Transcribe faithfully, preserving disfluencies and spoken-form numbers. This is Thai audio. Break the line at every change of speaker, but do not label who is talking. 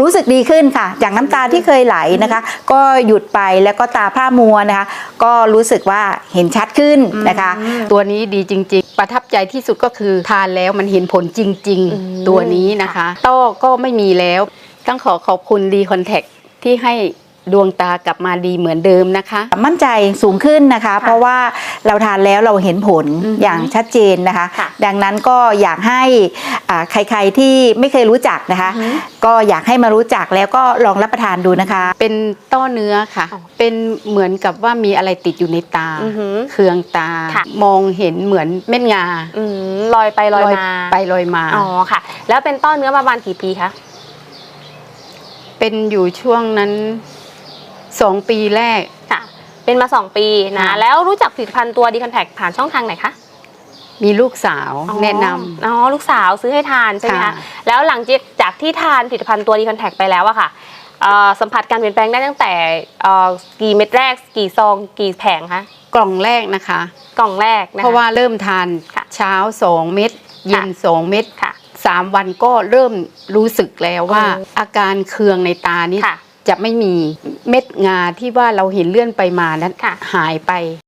รู้สึกดีขึ้นค่ะจากน้ำตาที่เคยไหลนะคะก็หยุดไปแล้วก็ตาพร่ามัวนะคะก็รู้สึกว่าเห็นชัดขึ้นนะคะ
ตัวนี้ดีจริงๆประทับใจที่สุดก็คือทานแล้วมันเห็นผลจริงๆตัวนี้นะคะต้อก็ไม่มีแล้วต้องขอขอบคุณดีคอนแทคที่ให้ดวงตากลับมาดีเหมือนเดิมนะคะ
มั่นใจสูงขึ้นนะคะเพราะว่าเราทานแล้วเราเห็นผลอย่างชัดเจนนะคะดังนั้นก็อยากให้ใครๆที่ไม่เคยรู้จักนะคะก็อยากให้มารู้จักแล้วก็ลองรับประทานดูนะคะ
เป็นต้อเนื้อค่ะเป็นเหมือนกับว่ามีอะไรติดอยู่ในตาเคืองตามองเห็นเหมือนเม็ดงา
ลอยไปลอยมา
ไปลอยมา
อ๋อค่ะแล้วเป็นต้อเนื้อมาประมาณกี่ปีคะ
เป็นอยู่ช่วงนั้นสองปีแรก
ค่ะเป็นมาสองปีนะแล้วรู้จักผลิตภัณฑ์ตัวดีคอนแทคผ่านช่องทางไหนคะ
มีลูกสาวแนะนำ
อ๋อลูกสาวซื้อให้ทานใช่ไหมคะแล้วหลังจากที่ทานผลิตภัณฑ์ตัวดีคอนแทคไปแล้วอะค่ะสัมผัสการเปลี่ยนแปลงได้ตั้งแต่กี่เม็ดแรกกี่ซองกี่แผงคะ
กล่องแรกนะคะ
กล่องแรกนะคะ
เพราะว่าเริ่มทานเช้าสองเม็ดเย็นสองเม็ดสามวันก็เริ่มรู้สึกแล้วว่าอาการเคืองในตานี้จะไม่มีเม็ดงาที่ว่าเราเห็นเลื่อนไปมานั้นหายไป